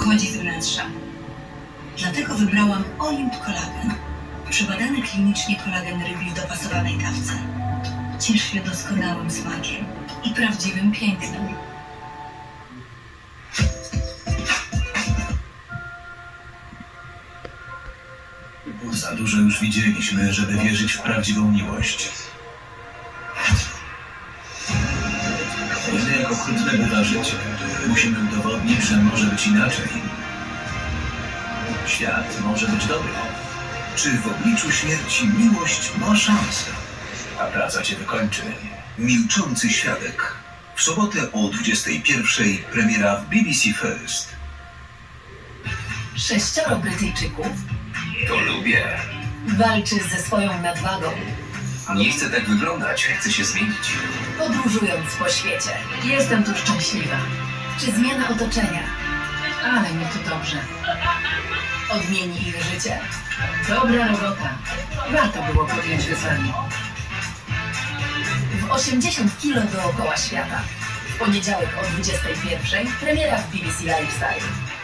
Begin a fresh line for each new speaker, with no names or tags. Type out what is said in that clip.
pochodzi z wnętrza. Dlatego wybrałam Olimp Kolagen. Przebadany klinicznie kolagen rybi w dopasowanej dawce. Ciesz się doskonałym smakiem i prawdziwym pięknem.
Za dużo już widzieliśmy, żeby wierzyć w prawdziwą miłość. Jedynie jak okrutne bywa życie, musimy udowodnić, że może być inaczej. Świat może być dobry. Czy w obliczu śmierci miłość ma szansę? A praca cię wykończy. Milczący świadek. W sobotę o 21:00 premiera w BBC First.
6 Brytyjczyków
To lubię.
walczy ze swoją nadwagą,
Nie chcę tak wyglądać, chcę się zmienić.
podróżując po świecie. Jestem tu szczęśliwa. Czy zmiana otoczenia? Ale mi tu dobrze. Odmieni ich życie. Dobra robota. Warto było podjąć wyzwanie. W 80 kilo dookoła świata. W poniedziałek o 21:00 premiera w BBC Lifestyle.